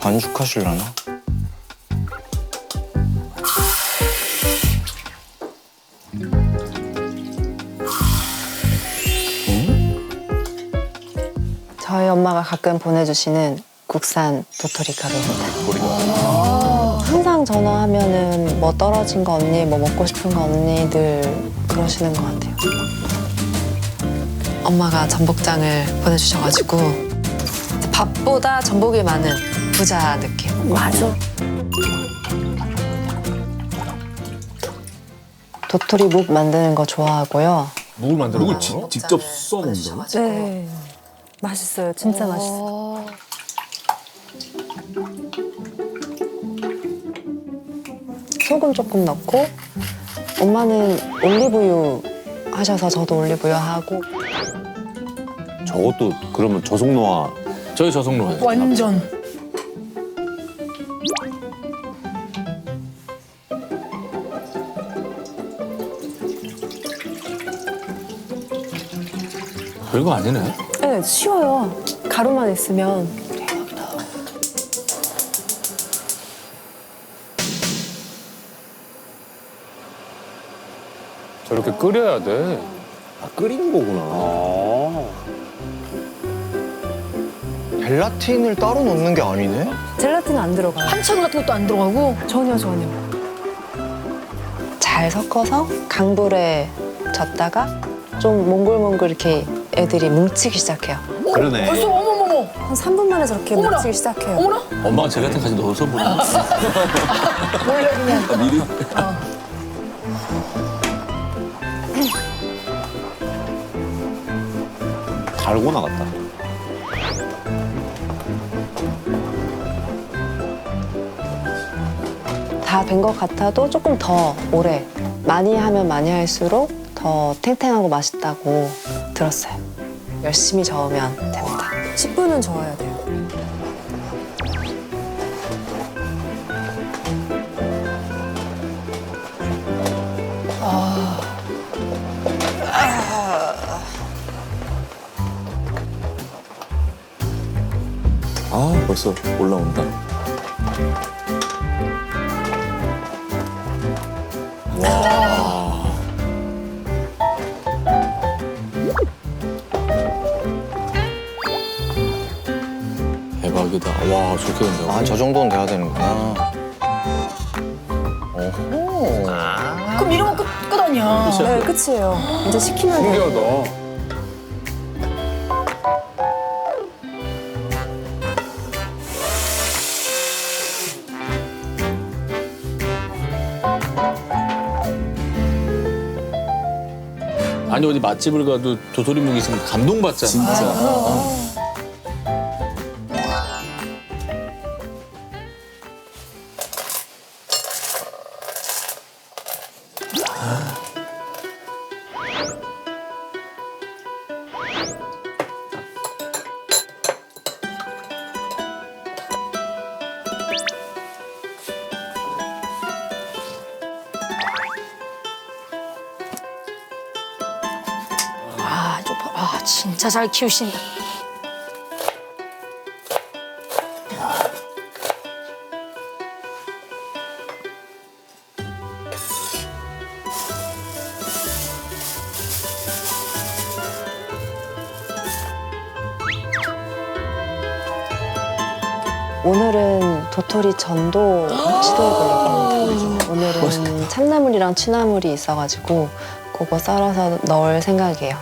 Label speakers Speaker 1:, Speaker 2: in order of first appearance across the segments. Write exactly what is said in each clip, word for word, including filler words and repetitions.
Speaker 1: 반죽하실라나?
Speaker 2: 저희 엄마가 가끔 보내주시는 국산 도토리 가루입니다. 항상 전화하면은 뭐 떨어진 거 없니? 뭐 먹고 싶은 거 없니? 늘 그러시는 것 같아요. 엄마가 전복장을 보내주셔가지고 밥보다 전복이 많은 부자 느낌.
Speaker 3: 맞아.
Speaker 2: 도토리 묵 만드는 거 좋아하고요.
Speaker 4: 묵을 만들어
Speaker 5: 묵을
Speaker 4: 먹어요?
Speaker 5: 지- 직접 써 먹는다고?
Speaker 3: 네. 맛있어요. 진짜 맛있어.
Speaker 2: 소금 조금 넣고 엄마는 올리브유 하셔서 저도 올리브유 하고
Speaker 6: 저것도 그러면 저속노화.
Speaker 4: 저희 저속노예요.
Speaker 7: 완전.
Speaker 4: 별거 아니네.
Speaker 3: 네, 쉬워요. 가루만 있으면.
Speaker 4: 저렇게 끓여야 돼.
Speaker 6: 아, 끓이는 거구나.
Speaker 1: 젤라틴을 따로 넣는 게 아니네?
Speaker 3: 젤라틴 안 들어가요.
Speaker 7: 한천 같은 것도 안 들어가고.
Speaker 3: 전혀 전혀.
Speaker 2: 잘 섞어서 강불에 젓다가 좀 몽글몽글 이렇게 애들이 뭉치기 시작해요.
Speaker 6: 그러네.
Speaker 7: 벌써 어머머머.
Speaker 3: 한 삼 분 만에 저렇게
Speaker 7: 어머나.
Speaker 3: 뭉치기 시작해요.
Speaker 7: 어머나.
Speaker 4: 엄마가 젤라틴까지 넣어서 보내.
Speaker 7: 몰래 그냥.
Speaker 6: 미리 달고나 같다.
Speaker 2: 다 된 것 같아도 조금 더 오래 많이 하면 많이 할수록 더 탱탱하고 맛있다고 들었어요. 열심히 저으면 됩니다.
Speaker 3: 십 분은 저어야 돼요.
Speaker 6: 아, 벌써 올라온다.
Speaker 4: 대박이다. 와, 저렇게 된다고.
Speaker 1: 아, 저 정도는 돼야 되는구나. 오호.
Speaker 7: 그럼 이러면 끝, 끝 아니야.
Speaker 3: 네, 끝이에요. 이제 식히면 돼요.
Speaker 4: 신기하다. 아니 어디 맛집을 가도 도토리묵 있으면 감동받잖아. 진짜.
Speaker 7: 아, 저, 봐. 아, 진짜 잘 키우신다.
Speaker 2: 오늘은 도토리 전도 시도해보려고 합니다. 오늘은 참나물이랑 취나물이 있어가지고 그거 썰어서 넣을 생각이에요.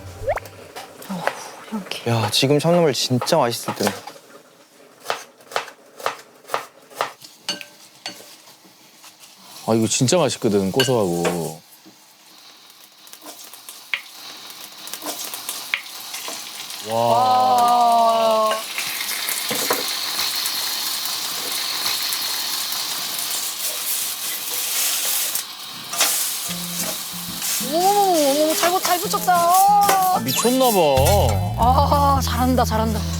Speaker 1: 야, 지금 참나물 진짜 맛있을 텐데.
Speaker 4: 아 이거 진짜 맛있거든 고소하고. 와.
Speaker 7: 어머머머, 잘, 잘 붙였다.
Speaker 4: 아, 미쳤나 봐.
Speaker 7: 아, 잘한다, 잘한다.